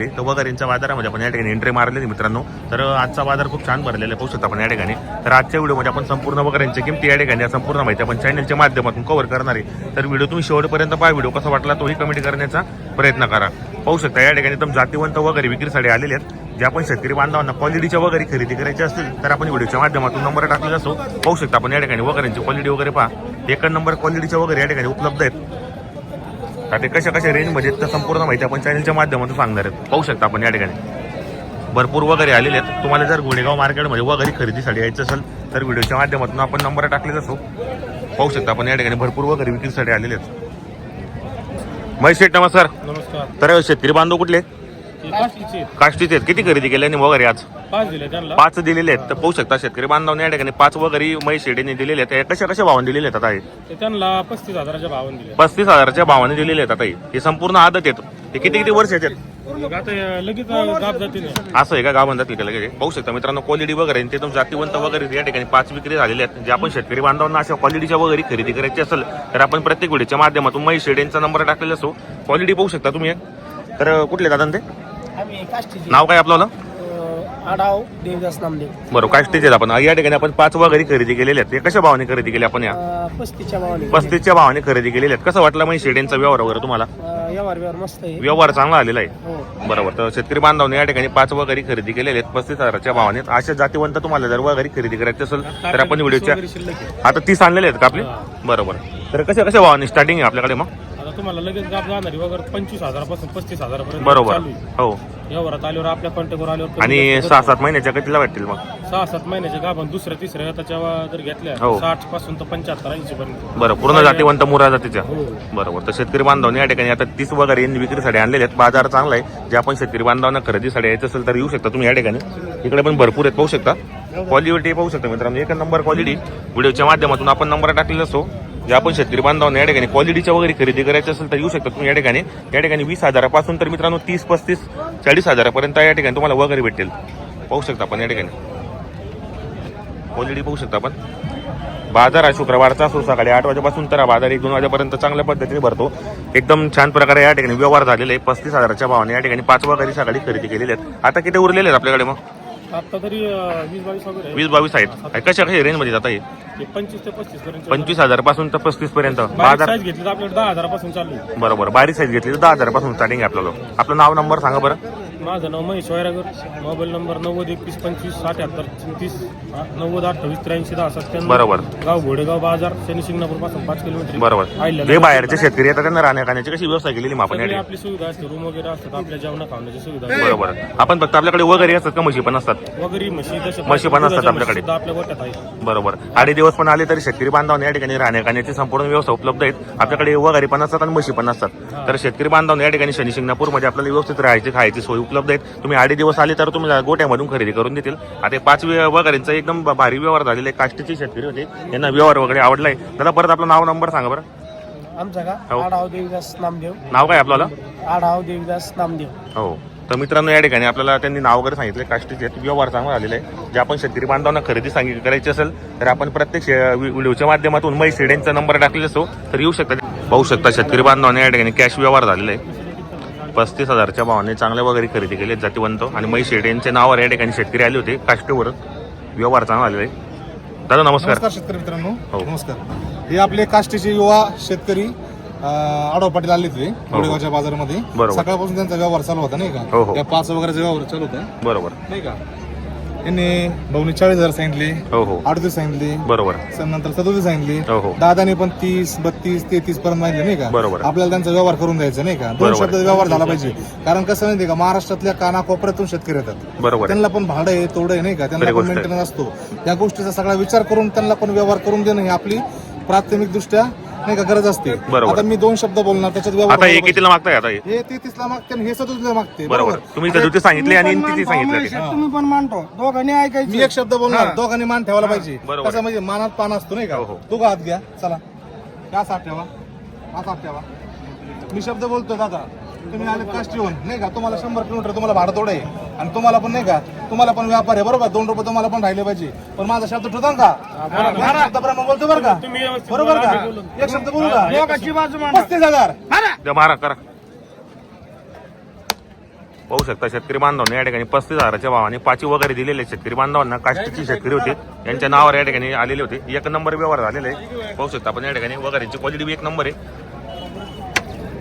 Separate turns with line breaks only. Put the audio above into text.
तर वगैरेंच्या बाजारामध्ये आपण या ठिकाणी एंट्री मारलेली मित्रांनो. तर आजचा बाजार खूप छान भरलेला आहे, पाहू शकता आपण या ठिकाणी. तर आजच्या व्हिडिओमध्ये आपण संपूर्ण वगैरेंची किमती या ठिकाणी संपूर्ण माहिती आपण चॅनलच्या माध्यमातून कव्हर करणार आहे. तर व्हिडिओ तुम्ही शेवटपर्यंत पहा. व्हिडिओ कसा वाटला तोही कमेंट करण्याचा प्रयत्न करा. पाहू शकता या ठिकाणी एकदम जातीवंत वगैरे विक्रीसाठी आलेले आहेत. जे आपण शेतकरी बांधवांना क्वालिटीच्या वगैरे खरेदी करायची असतील तर आपण व्हिडिओच्या माध्यमातून नंबर टाकलेला असो. पाहू शकता आपण या ठिकाणी वगैरेंची क्वालिटी वगैरे पहा. एक नंबर क्वालिटीच्या वगैरे या ठिकाणी उपलब्ध आहेत. ते कशा कशा रेंजमध्ये तर संपूर्ण माहिती आपण चॅनलच्या माध्यमातून सांगणार आहेत. पाहू शकता आपण या ठिकाणी भरपूर वगैरे आलेले आहेत. तुम्हाला जर गोडेगाव मार्केटमध्ये वगैरे खरेदीसाठी यायचं असेल तर व्हिडिओच्या माध्यमातून आपण नंबर टाकलेला असो. पाहू शकता आपण या ठिकाणी भरपूर वगैरे विक्रीसाठी आलेले आहेत. महेश शेठ नमस्कार.
नमस्कार.
तर शेतकरी बांधव कुठले? काष्टीचे आहेत. किती खरेदी केल्याने वगैरे आज? 5 दिलेले आहेत. तर पाहू शकता शेतकरी बांधवांनी या ठिकाणी 5 वगैरे महेश शेठीने दिलेले आहेत. कशा कशा भावाने दिलेले आहेत आता?
त्यांना 35,000च्या भावाने दिले.
35,000च्या भावाने दिलेले आहेत आता. हे संपूर्ण आदत आहेत. हे किती किती वर्ष आहेत?
लगेच गाब जातील.
असं आहे का? गाव म्हणतात की लगेच. पाहू शकता मित्रांनो क्वालिटी वगैरे ते एकदम जातीवंत वगैरे या ठिकाणी 5 विक्री झालेले आहेत. जे आपण शेतकरी बांधवांना अशा क्वालिटीच्या वगैरे खरेदी करायची असेल तर आपण प्रत्येक व्हिडिओच्या माध्यमातून महेश शेठींचा नंबर टाकलेला असो. क्वालिटी पाहू शकता तुम्ही. तर कुठले दादा ते? नाव काय आपलं?
आढाव देवदास नामदेव.
बरोबर, काष्टीचे आहेत आपण. या ठिकाणी आपण 5 वगैरे खरेदी केलेले आहेत. ते कशा भावाने खरेदी केली आपण? या 35च्या भावाने खरेदी केलेले आहेत. कसं वाटलं मग शेडेंचा व्यवहार वगैरे तुम्हाला?
व्यवहार मस्त आहे.
व्यवहार चांगला आलेला आहे.
हो.
बरोबर. तर शेतकरी बांधवांनी या ठिकाणी 5 वगैरे खरेदी केलेले आहेत 35,000च्या भावाने. अशा जातीवंत तुम्हाला जर वगैरे खरेदी करायची असेल तर आपण व्हिडिओच्या आता 30 आणलेले आहेत का आपले? बरोबर. तर कशा कशा भावाने स्टार्टिंग आहे आपल्याकडे मग?
तुम्हाला लगेच गाब जाणारी वगैरे 25,000 पासून 35,000 पर्यंत.
बरोबर. हो.
व्यवहारात आल्यावर आपल्या कॉन्टॅक्टवर आल्यावर
आणि 6-7 महिन्याच्या कितीला भेटतील मग?
6-7 महिन्याच्या गाभण दुसऱ्या तिसऱ्या त्याच्या जर घेतल्या 60 पासून तर 75-80 पर्यंत.
बरं, पूर्ण जातीवंत मुरा जातीच्या. बरोबर. तर शेतकरी बांधवांनी या ठिकाणी आता 30 वगैरे विक्रीसाठी आणलेले आहेत. बाजार चांगला आहे. जे आपण शेतकरी बांधवांना खरेदीसाठी यायचं असेल तर येऊ शकता तुम्ही या ठिकाणी. इकडे पण भरपूर आहेत, पाहू शकता. क्वालिटी पाहू शकता मित्रांनो. एक नंबर क्वालिटी. व्हिडिओच्या माध्यमातून आपण नंबर टाकलेला असो. जे आपण शेतकरी बांधवांना या ठिकाणी क्वालिटीच्या वगैरे खरेदी करायची असेल तर येऊ शकता तुम्ही या ठिकाणी. या ठिकाणी 20,000 पासून तर मित्रांनो 30, 35, 40,000 पर्यंत या ठिकाणी तुम्हाला वगैरे भेटेल. पाहू शकता आपण या ठिकाणी क्वालिटी पाहू शकता आपण. बाजार हा शुक्रवारचा असो. सकाळी 8 वाजेपासून तर बाजार 1-2 वाजेपर्यंत चांगल्या पद्धतीने भरतो. एकदम छान प्रकारे या ठिकाणी व्यवहार झालेले आहे. 35,000च्या भावाने या ठिकाणी 5 वगैरे सकाळी खरेदी केलेले आहेत. आता किती उरलेले आहेत आपल्याकडे मग?
आता तरी 20-22 वगैरे
20-22 आहेत. कशा कशा रेंज मध्ये जाता येईल?
25 ते 35 पर्यंत.
25,000 पासून तर 35 पर्यंत
बाजार साईज घेतली तर आपल्याकडे 10,000 पासून चालू आहे.
बरोबर. बारीक साईज घेतली तर 10,000 पासून स्टार्टिंग आहे आपल्याला. आपलं नाव नंबर सांगा बरं.
माझं नाव महेश वैरागर. Mobile number 9021257834 90288310.
बरोबर.
गाव घोडेगाव बाजार शनी शिंगणापूर पासून 5 किलोमीटर.
बरोबर. जे बाहेरचे शेतकरी येतात त्यांना राहण्या खाण्याची कशी व्यवस्था केलेली मग आपण?
आपली सुविधा असते. रूम वगैरे असतात. आपल्या जेवणा खाण्याची सुविधा.
बरोबर. आपण फक्त आपल्याकडे वगैरे असतात का म्हशी पण असतात?
वगैरे म्हशी
पण असतात आपल्याकडे.
आपल्या गोट्यात आहे.
बरोबर. 8 दिवस पण आले तरी शेतकरी बांधवांना या ठिकाणी राहण्या खाण्याची संपूर्ण व्यवस्था उपलब्ध आहेत. आपल्याकडे वगैरे पण असतात आणि म्हशी पण असतात. तर शेतकरी बांधवांना या ठिकाणी शनी शिंगणापूरमध्ये आपल्याला व्यवस्थित राहायची खायची सोय उपलब्ध आहेत. तुम्ही 8 दिवस आले तर तुम्ही गोट्यामधून खरेदी करून देतील. आता 5 वगैरेंचा एकदम भारी व्यवहार झालेला आहे. काष्टीचे शेतकरी होते, यांना व्यवहार वगैरे आवडलाय. दादा परत आपलं नाव नंबर सांगा बरं.
आमचा का? आढाव देवदास नामदेव.
नाव काय आपल्याला?
आढाव देवदास नामदेव.
हो. तर मित्रांनो या ठिकाणी आपल्याला त्यांनी नाव वगैरे सांगितलं. काष्टीचे व्यवहार चांगला झालेला आहे. जे आपण शेतकरी बांधवांना खरेदी करायची असेल तर आपण प्रत्येक व्हिडिओच्या माध्यमातून महेश शेडेंचा नंबर टाकलेला असो तर येऊ शकता. पाहू शकता शेतकरी बांधवांना या ठिकाणी कॅश व्यवहार झालेला आहे. 35,000च्या भावाने चांगल्या वगैरे खरेदी केले जातीवंत. आणि महेश शेडेंच्या नावावर या ठिकाणी शेतकरी आले होते. काष्टीवर व्यवहार चांगला झालेला आहे. दादा नमस्कार.
शेतकरी मित्रांनो. नमस्कार. हे आपले काष्टीचे युवा शेतकरी आढाव पाटील आले होते गोडेगावच्या बाजारामध्ये. सकाळपासून त्यांचा व्यवहार चालू होता नाही का? त्या 5 वगैरे व्यवहार चालू होता. बरोबर नाही का? यांनी भाऊनी 40,000 सांगितले. 38 सांगितले.
बरोबर.
नंतर 37 सांगितले. दादाने पण 30, 32, 33 पर्यंत माहिती नाही का? बरोबर. आपल्याला त्यांचा व्यवहार करून द्यायचा नाही का? 2 शब्दाचा व्यवहार झाला पाहिजे. कारण कसं माहिती का, महाराष्ट्रातल्या कानाकोपऱ्यातून शेतकरी येतात. बरोबर. त्यांना पण भाडं आहे, तोडं आहे नाही का? त्यांना पण मेंटेनन्स असतो. या गोष्टीचा सगळा विचार करून त्यांना पण व्यवहार करून देणं ही आपली प्राथमिक दृष्ट्या नाही का गरज असते. आता मी 2 शब्द बोलणार त्याच्यात व्यवहार.
आता हे कितीला मागताय? आता
हे 33ला मागते आणि हे 37ला मागते.
बरोबर. तुम्ही 37 सांगितले आणि 33 सांगितले.
तुम्ही पण मानतो. दोघांनी ऐकायचं.
मी एक शब्द बोलणार, दोघांनी मान ठेवायला पाहिजे. कसं म्हणजे मानात पान असतो नाही का? तू का हात घ्या. चला का साथ ठेवा, हा साथ ठेवा. मी शब्द बोलतो दादा. तुम्ही आले काष्टीहून नाही का? तुम्हाला 100 किलोमीटर तुम्हाला भाडं थोडं आहे आणि तुम्हाला पण नाही का, तुम्हाला पण व्यापार आहे बरोबर. 2 रुपये तुम्हाला पण राहिले पाहिजे. पण माझा शब्द ठेवता का? शब्दाप्रमाणे बोलतो बरं का? बरोबर का? एक शब्द बोलू का?
35,000
मारा करा. पाहू शकता शेतकरी बांधवांना या ठिकाणी 35,000च्या भावाने पाची वगैरे दिलेले शेतकरी बांधवांना. काष्टीची शेतकरी होते, यांच्या नावावर या ठिकाणी आलेले होते. एक नंबर व्यवहार झालेले आहे. पाहू शकता आपण या ठिकाणी वगैरेची क्वालिटी बी एक नंबर आहे.